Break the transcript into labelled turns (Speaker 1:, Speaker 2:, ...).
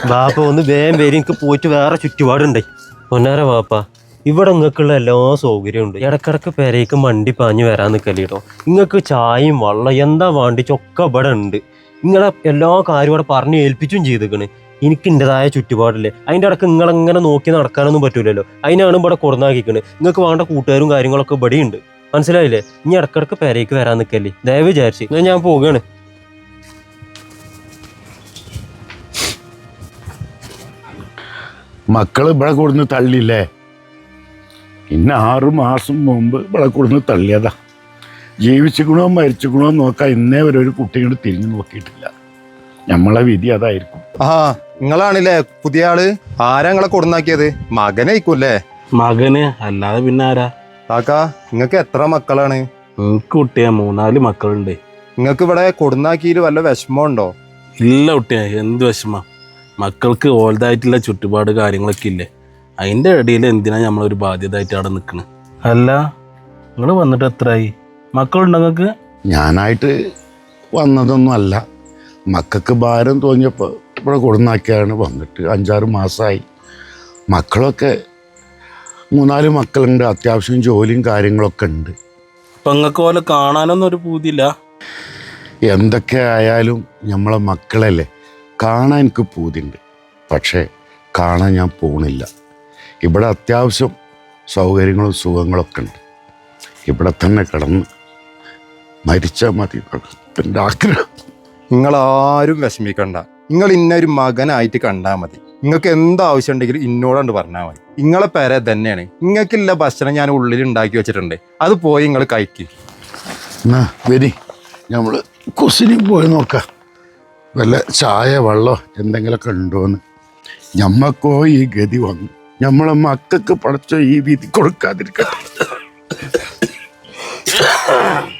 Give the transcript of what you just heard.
Speaker 1: വാപ്പ ഒന്ന് വേഗം പേര് എനിക്ക് പോയിട്ട് വേറെ ചുറ്റുപാടുണ്ടായി. പൊന്നാര വാപ്പ, ഇവിടെ നിങ്ങൾക്കുള്ള എല്ലാ സൗകര്യവും ഉണ്ട്. ഇടക്കിടക്ക് പെരേക്ക് മണ്ടി പാഞ്ഞ് വരാൻ നിൽക്കല്ലേട്ടോ. നിങ്ങൾക്ക് ചായയും വെള്ളം എന്താ വേണ്ടിച്ചൊക്കെ ഇവിടെ ഉണ്ട്. നിങ്ങളെ എല്ലാ കാര്യം ഇവിടെ പറഞ്ഞ് ഏൽപ്പിച്ചും ചെയ്തിക്കണ്. എനിക്ക് എൻ്റെതായ ചുറ്റുപാടില്ലേ, അതിൻ്റെ ഇടക്ക് നിങ്ങളെങ്ങനെ നോക്കി നടക്കാനൊന്നും പറ്റൂലല്ലോ. അതിനാണ് ഇവിടെ കൊടുന്നാക്കിക്കണ്. നിങ്ങൾക്ക് വേണ്ട കൂട്ടുകാരും കാര്യങ്ങളൊക്കെ ഇവിടെ ഉണ്ട്. മനസ്സിലായില്ലേ? ഇനി ഇടക്കിടക്ക് പെരേക്ക് വരാൻ നിൽക്കല്ലേ. ദയവ് വിചാരിച്ച് ഞാൻ പോവുകയാണ്.
Speaker 2: മക്കള് ഇവിടെ കൊടുന്ന് തള്ളിയില്ലേ? ഇന്ന് 6 മാസം മുമ്പ് ഇവിടെ കൊടുന്ന് തള്ളിയതാ. ജീവിച്ചിക്കണോ മരിച്ചിക്കണോ നോക്കാൻ ഇന്നേ വരെ ഒരു കുട്ടിയോട് തിരിഞ്ഞു നോക്കിയിട്ടില്ല. നമ്മളെ വിധി അതായിരിക്കും.
Speaker 3: നിങ്ങളാണില്ലേ പുതിയ ആള്? ആരാ നിങ്ങളെ കൊടുന്നാക്കിയത്? മകനായിക്കൂല്ലേ?
Speaker 4: മകന് അല്ലാതെ പിന്നെ ആരാ?
Speaker 3: കാക്കാ, നിങ്ങൾക്ക് എത്ര മക്കളാണ്?
Speaker 4: എനിക്ക് കുട്ടിയാ 3-4 മക്കളുണ്ട്.
Speaker 3: നിങ്ങൾക്ക് ഇവിടെ കൊടുന്നാക്കിയിൽ വല്ല വിഷമമുണ്ടോ?
Speaker 4: ഇല്ല കുട്ടിയാ, എന്ത് വിഷമ. മക്കൾക്ക് ഓൾതായിട്ടുള്ള ചുറ്റുപാട് കാര്യങ്ങളൊക്കെ ഇല്ലേ, അതിൻ്റെ ഇടയിൽ എന്തിനാ നമ്മളൊരു ബാധ്യതയായിട്ട് അവിടെ നിൽക്കണ്? അല്ല, നിങ്ങൾ വന്നിട്ട് എത്രയായി? മക്കളുണ്ടോ നിങ്ങൾക്ക്?
Speaker 2: ഞാനായിട്ട് വന്നതൊന്നും അല്ല. മക്കൾക്ക് ഭാരം തോന്നിയപ്പോൾ ഇവിടെ കൊടുന്നാക്കിയാണ്. വന്നിട്ട് 5-6 മാസമായി. മക്കളൊക്കെ 3-4 മക്കളുണ്ട്. അത്യാവശ്യം ജോലിയും കാര്യങ്ങളൊക്കെ ഉണ്ട്.
Speaker 4: അപ്പം നിങ്ങൾക്ക് പോലെ കാണാനൊന്നും ഒരു പൂതിയില്ല?
Speaker 2: എന്തൊക്കെ ആയാലും നമ്മളെ മക്കളല്ലേ, കാണാൻ എനിക്ക് പൂതിയുണ്ട്. പക്ഷേ കാണാൻ ഞാൻ പോണില്ല. ഇവിടെ അത്യാവശ്യം സൗകര്യങ്ങളും സുഖങ്ങളൊക്കെ ഉണ്ട്. ഇവിടെ തന്നെ കിടന്ന് മരിച്ചാൽ മതി എൻ്റെ ആഗ്രഹം.
Speaker 3: നിങ്ങളാരും വിഷമിക്കണ്ട. നിങ്ങൾ ഇന്നൊരു മകനായിട്ട് കണ്ടാൽ മതി. നിങ്ങൾക്ക് എന്താവശ്യം ഉണ്ടെങ്കിലും ഇന്നോട് പറഞ്ഞാൽ മതി. നിങ്ങളെ പേരെ തന്നെയാണ്. നിങ്ങൾക്കില്ല ഭക്ഷണം ഞാൻ ഉള്ളിൽ ഉണ്ടാക്കി വെച്ചിട്ടുണ്ട്. അത് പോയി നിങ്ങൾ കഴിക്ക്.
Speaker 2: എന്നാ വരി, നമ്മൾ കുസിനിൽ പോയി നോക്കാം. വല്ല ചായ വെള്ളം എന്തെങ്കിലുമൊക്കെ ഉണ്ടോയെന്ന്. ഞമ്മക്കോ ഈ ഗതി വന്നു. നമ്മളെ മക്കൾക്ക് പഠിച്ച ഈ വിധി കൊടുക്കാതിരിക്കട്ടെ.